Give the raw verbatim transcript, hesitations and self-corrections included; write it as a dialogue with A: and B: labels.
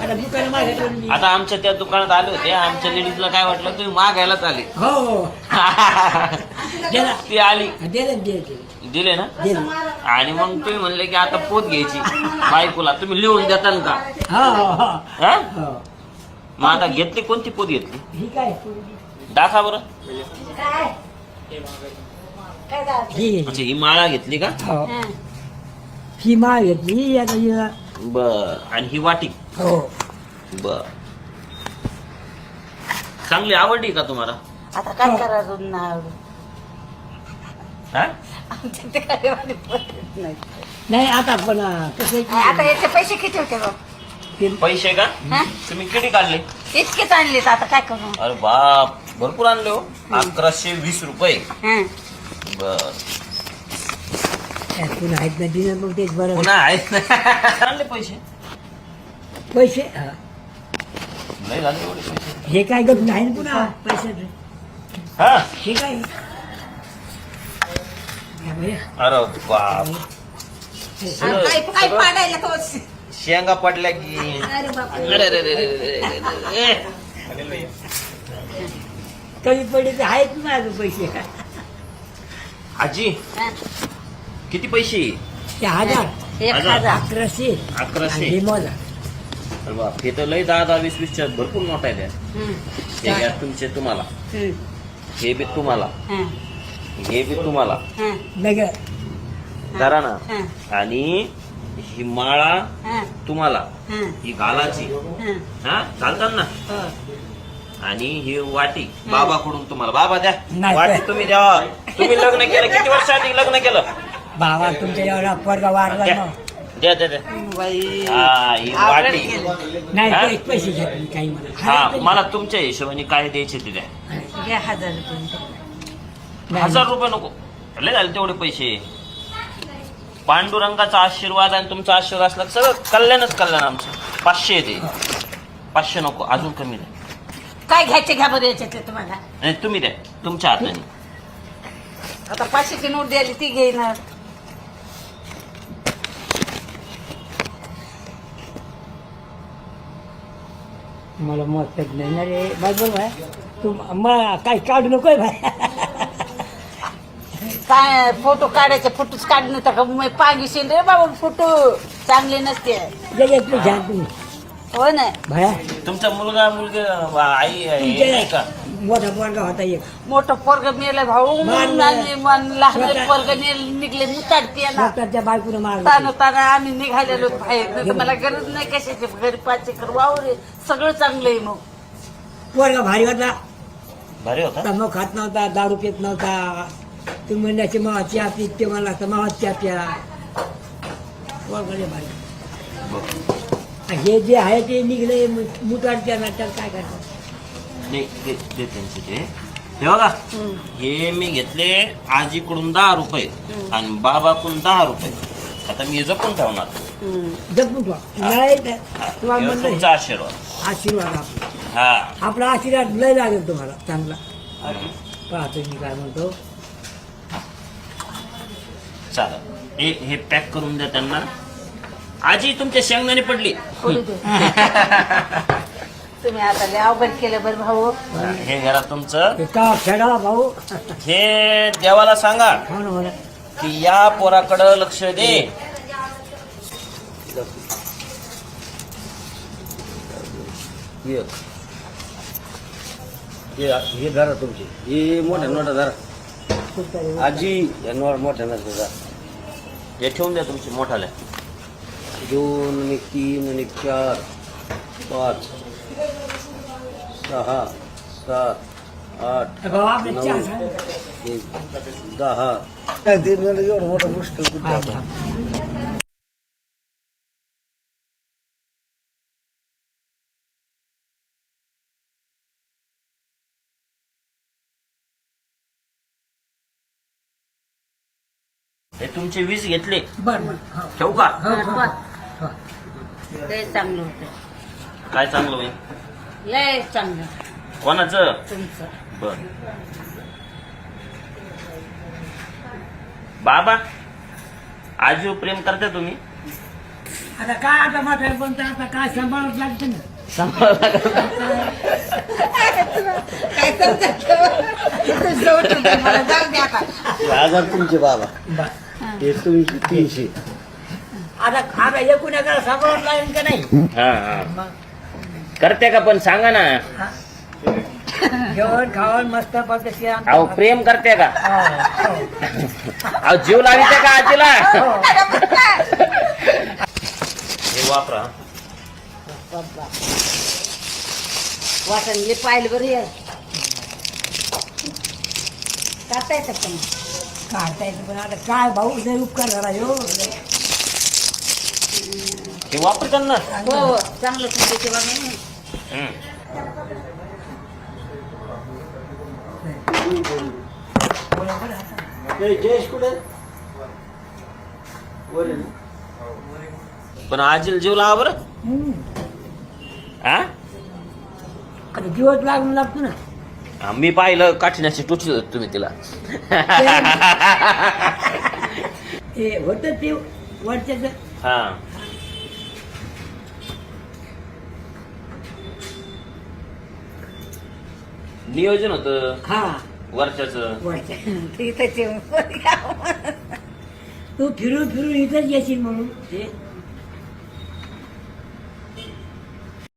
A: आता आमच्या त्या दुकानात आले होते, आमच्या लेडीजला काय वाटलं तुम्ही मागायलाच आले.
B: हो
A: ती आली
B: दिले
A: दिले ना. आणि मग तुम्ही म्हणले की आता पोत घ्यायची बायकोला, तुम्ही लिहून देताल का? हा? मग आता घेतली कोणती पोत घेतली? दाखवा बरं. अच्छा, ही माळा घेतली का?
B: ही माळ घेतली.
A: बर. आणि ही वाटी?
B: हो.
A: बर. चांगली आवडली का तुम्हाला?
C: आता काय करायचं
A: हा?
B: नाही आता पण कसं
C: आता याचे पैसे किती होते बघ?
A: पैसे का?
C: हा?
A: तुम्ही किती काढले?
C: इतकेच आणले आता काय करू?
A: अरे बाप, भरपूर आणले हो. अकराशे वीस रुपये.
C: हं.
A: बर.
B: पुन्हा आहेत ना दिलं मग तेच बरं.
A: पुन्हा आहेत ना. आणले पैसे?
B: पैसे हा.
A: नाही झाले एवढे पैसे.
B: हे काय गप नाही ना पुन्हा पैशाचं.
A: हा?
B: हे काय या बाया.
A: अरे बाप,
C: काय काय पाडायला तो
A: शेंगा पडल्या की.
C: अरे बाप
A: अरे रे रे रे रे रे रे.
B: कमी पडले तर आहेत ना अजून पैसे.
A: आजी किती पैसे?
B: ते हजार
C: एक
A: हजार.
C: हजार
B: अकराशे
A: अकराशे.
B: आणि हे मोजा.
A: अरे बाप, हे तर लय दहा दहा वीस वीसच्या भरपूर नोट आहे त्या.
C: हं.
A: हे घ्या तुमचे तुम्हाला,
C: हं.
A: हे बी तुम्हाला,
C: हं.
A: हे बी तुम्हाला.
C: हं.
B: नगर
A: करा ना.
C: हं.
A: आणि ही माळा
C: हं.
A: तुम्हाला,
C: हं.
A: ही घालाची.
C: हं.
A: हा, चालतात ना.
C: हो.
A: आणि ही वाटी बाबाकडून तुम्हाला. बाबा द्या
B: नाही.
A: वाटी, तुम्ही द्या. तुम्ही लग्न केलं किती वर्ष आधी लग्न केलं?
B: बाबा तुमच्या एवढा पोरगा वारला
A: द्या
B: ना.
A: द्या द्या द्या.
C: बाई
A: हा, ही
C: आवडलं
A: वाटी.
C: केलं.
B: नाही
A: हा?
B: ते पैसे घेत नाही काही मला.
A: हा, मला तुमच्या हिशोबाने काय द्यायचे ते द्या.
C: घ्या हजार रुपये.
B: नाही.
A: हजार रुपये नको, लय झाले तेवढे पैसे. पांडुरंगाचा आशीर्वाद आणि तुमचा आशीर्वाद असला तर सगळं कल्याणच कल्याण आमचं. पाचशे येते. पाचशे नको, अजून कमी द्या.
C: काय घ्यायचे घ्या बरं याच्यातले तुम्हाला.
A: नाही तुम्ही द्या तुमच्या हाताने.
C: आता पाचशेची नोट द्यायली ती घेणार.
B: मला मत नाही ना रे बरोबर भाई. तू मला काही काढू नकोय भाई.
C: काय फोटो काढायचे, फोटोच काढणं तर मग पागिशील रे बाबा. फोटो चांगले नसते.
B: जगातली घ्या तुम्ही
C: हो ना.
B: भाया.
A: तुमचा मुलगा मुलगी आई आहे नाही का?
B: मोठा पोरगा होता एक.
C: मोठं पोरग मेलं भाऊ.
B: मारलं.
C: आणि मन लहान
B: स्वतः-
C: पोरग निघले मुताडते ना.
B: स्वतःच्या बायकोनं मारलं.
C: ताना ताना आम्ही निघालेलो बाहेर. नाही तर मला गरज नाही कशाची. घरी पाच एकर वावर आहे. सगळं चांगलं आहे. मग
B: पोरगा भारी होता.
A: भारी होता.
B: तंबाखू खात नव्हता, दारू पित नव्हता. तुम्ही म्हणण्याची मावा चहा पीत ते मला तर मावा चहा प्या. पोरगा लय भारी. हे जे आहे ते निघले मुताडच्या नाट्यात काय करतात.
A: नाही ते ते त्यांचे ते हे बघा.
C: हं.
A: हे मी घेतले आजीकडून दहा रुपये आणि बाबाकडून दहा रुपये. आता मी हे जपून ठेवणार.
C: हं.
B: जपून ठेवा. नाही तर तुम्हाला
A: हे
B: म्हणलं
A: तुमचा आशीर्वाद.
B: आशीर्वाद आपला.
A: हा.
B: आपला आशीर्वाद लय लागेल तुम्हाला चांगला. पाहतो मी काय म्हणतो.
A: चालेल. हे हे पॅक करून द्या त्यांना. आजी तुमच्या शेंगदाणे पडली.
C: पुढे दे. तुम्ही आता लय अवघड केलं बरं भाऊ.
A: हे घरा तुमचं.
B: हे का खेळा भाऊ.
A: हे देवाला सांगा
B: हो ना हो ना.
A: की या पोराकडं लक्ष दे.
D: हे धरा तुमची, हे मोठ्या नोटा धरा आजी. या नोट मोठ्या नोटा धरा.
A: हे ठेवून द्या तुमची मोठाल्या.
D: दोन आणि तीन आणि चार पाच सहा सात आठ
B: भाऊ आपले
D: नऊ
B: चहा सांग.
D: एक दहा. तीन वेळा एवढं मोठं मुश्किल कुठे
B: हा,
D: आता.
B: हा.
A: हे तुमचे वीस घेतले.
B: बर बर हो.
A: ठेवू का?
B: हो, हो, हो.
C: लय चांगलं होतं.
A: काय चांगलं होईल?
C: लय चांगलं
A: कोणाचं?
C: तुमचं.
A: बर. बाबा आजीवर प्रेम करता तुम्ही?
B: आता काय आता म्हातारे पण तर आता काय सांभाळत लागतं ना
C: काय समजत मला जाऊ दे आता.
D: हजार तुमचे बाबा हे तुमचे तीनशे.
B: आता आता एकूण एकाला सांभाळत लागेल का नाही
A: हा हा करते का पण सांगा ना.
B: जेवण खावण मस्त पद्धती
A: अहो प्रेम करते का अहो जीव लाविते का आजीला हे वापरा.
C: वाटणले पाहिलं बरं हे. काढता येतात का मग?
B: काढता येतं पण आता काय भाऊ लय उपकार झाला हो
A: हे वापरतात ना.
C: हो हो चांगलं तुमच्या तेव्हा नाही.
A: हम्म.
D: जयेश कुठे वर आहे ना?
A: पण आजीला जीव लावा बरं.
B: हम्म.
A: हा
B: आता दिवस लागून लागतो ना
A: हा, मी पाहिलं काठीण्याची टोचली होती तुम्ही तिला.
B: ते होतं ते वरच्याच
A: हा नियोजन होतं
B: हा
A: वर्षाच.
B: वरच्या
C: इथं
B: तू फिरून फिरून इथंच येशील म्हणून ते